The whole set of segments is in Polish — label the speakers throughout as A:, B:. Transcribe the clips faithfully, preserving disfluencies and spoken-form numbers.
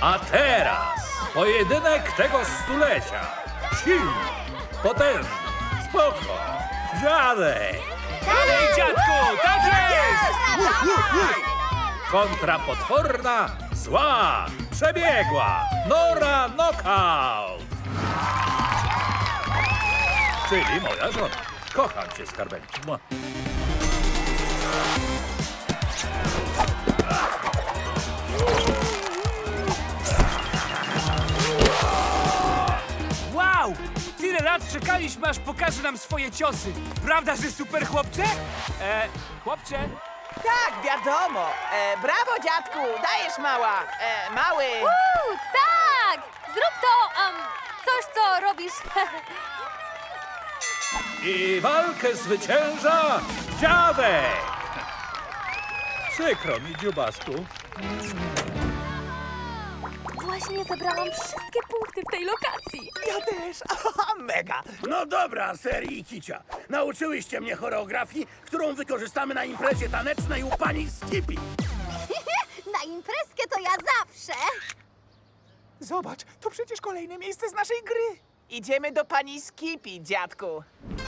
A: A teraz pojedynek tego stulecia. Silny, potężny, spoko, dziadek.
B: Dalej, dziadku, tak jest!
A: Kontra potworna, zła, przebiegła Nora Knockout. Czyli moja żona. Kocham cię, skarbenki. Mua.
B: Wow! Tyle lat czekaliśmy, aż pokaże nam swoje ciosy. Prawda, że super chłopcze? E, chłopcze?
C: Tak, wiadomo. E, brawo, dziadku, dajesz mała. E, mały.
D: Uuu, tak! Zrób to, um, coś, co robisz.
A: I walkę zwycięża dziadek. Przykro mi, dziubasku.
D: Właśnie zebrałam wszystkie punkty w tej lokacji.
C: Ja też. Aha, mega.
E: No dobra, serii Kicia. Nauczyłyście mnie choreografii, którą wykorzystamy na imprezie tanecznej u pani Skippy.
F: Na imprezkę to ja zawsze.
G: Zobacz, to przecież kolejne miejsce z naszej gry.
C: Idziemy do pani Skippy, dziadku.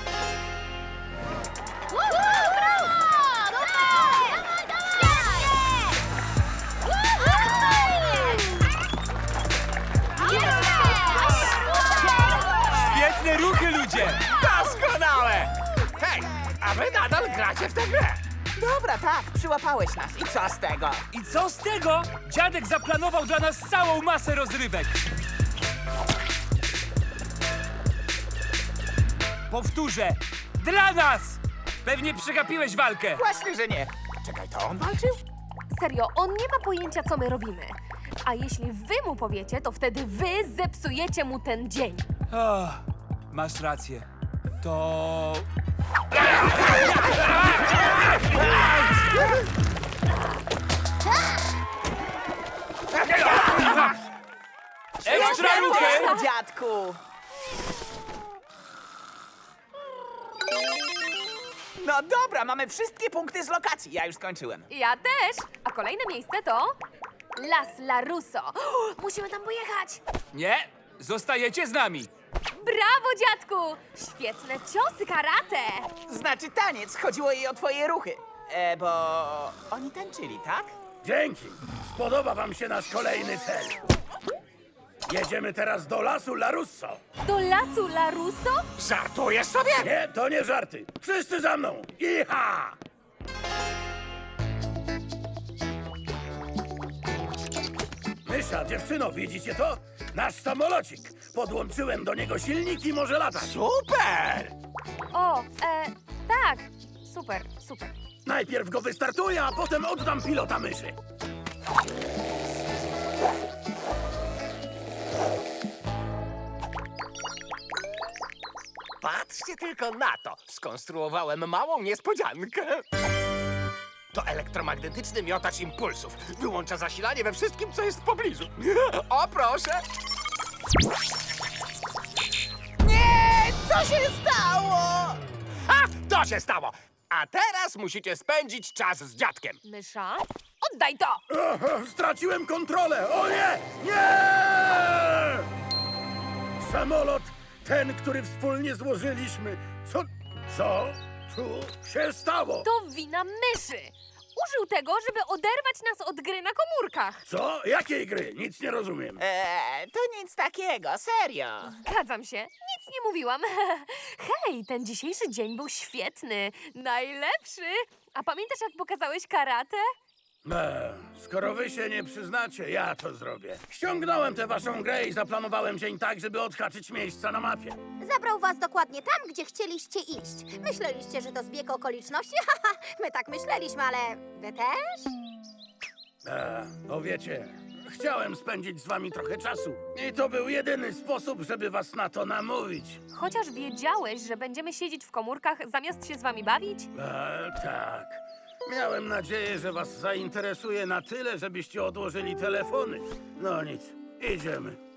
B: Świetne ruchy, ludzie!
G: Doskonałe! Hej, a wy nadal gracie w tę grę.
C: Dobra, tak, przyłapałeś nas. I co z tego?
B: I co z tego? Dziadek zaplanował dla nas całą masę rozrywek. Powtórzę, dla nas! Pewnie przegapiłeś walkę.
C: Właśnie, że nie.
G: Czekaj, to on walczył?
D: Serio, on nie ma pojęcia, co my robimy. A jeśli wy mu powiecie, to wtedy wy zepsujecie mu ten dzień.
B: Oh, masz rację. To... Ekstra ruchy!
C: Brawo, dziadku. No dobra, mamy wszystkie punkty z lokacji. Ja już skończyłem.
D: Ja też. A kolejne miejsce to Las Larusso. Musimy tam pojechać.
B: Nie, zostajecie z nami.
D: Brawo, dziadku! Świetne ciosy karate.
C: Znaczy taniec, chodziło jej o twoje ruchy. E, bo oni tańczyli, tak?
E: Dzięki. Spodoba wam się nasz kolejny cel. Jedziemy teraz do lasu Larusso.
D: Do Lasu Larusso?
G: Żartujesz sobie?
E: Nie, to nie żarty. Wszyscy za mną. Iha! Mysza, dziewczyno, widzicie to? Nasz samolocik. Podłączyłem do niego silnik i może latać.
G: Super!
D: O, e, tak. Super, super.
E: Najpierw go wystartuję, a potem oddam pilota myszy.
G: Patrzcie tylko na to. Skonstruowałem małą niespodziankę. To elektromagnetyczny miotacz impulsów. Wyłącza zasilanie we wszystkim, co jest w pobliżu. O, proszę!
C: Nie! Co się stało?
G: Ha! To się stało! A teraz musicie spędzić czas z dziadkiem.
D: Mysza, oddaj to!
E: Aha, straciłem kontrolę! O nie! Nie! Samolot, ten, który wspólnie złożyliśmy. Co, co tu się stało?
D: To wina myszy. Użył tego, żeby oderwać nas od gry na komórkach.
E: Co? Jakiej gry? Nic nie rozumiem.
C: E, to nic takiego, serio.
D: Zgadzam się, nic nie mówiłam. Hej, ten dzisiejszy dzień był świetny, najlepszy. A pamiętasz, jak pokazałeś karate?
E: E, skoro wy się nie przyznacie, ja to zrobię. Ściągnąłem tę waszą grę i zaplanowałem dzień tak, żeby odhaczyć miejsca na mapie.
F: Zabrał was dokładnie tam, gdzie chcieliście iść. Myśleliście, że to zbieg okoliczności? Haha, my tak myśleliśmy, ale wy też?
E: E, bo wiecie, chciałem spędzić z wami trochę czasu. I to był jedyny sposób, żeby was na to namówić.
D: Chociaż wiedziałeś, że będziemy siedzieć w komórkach, zamiast się z wami bawić?
E: E, tak. Miałem nadzieję, że was zainteresuje na tyle, żebyście odłożyli telefony. No nic, idziemy.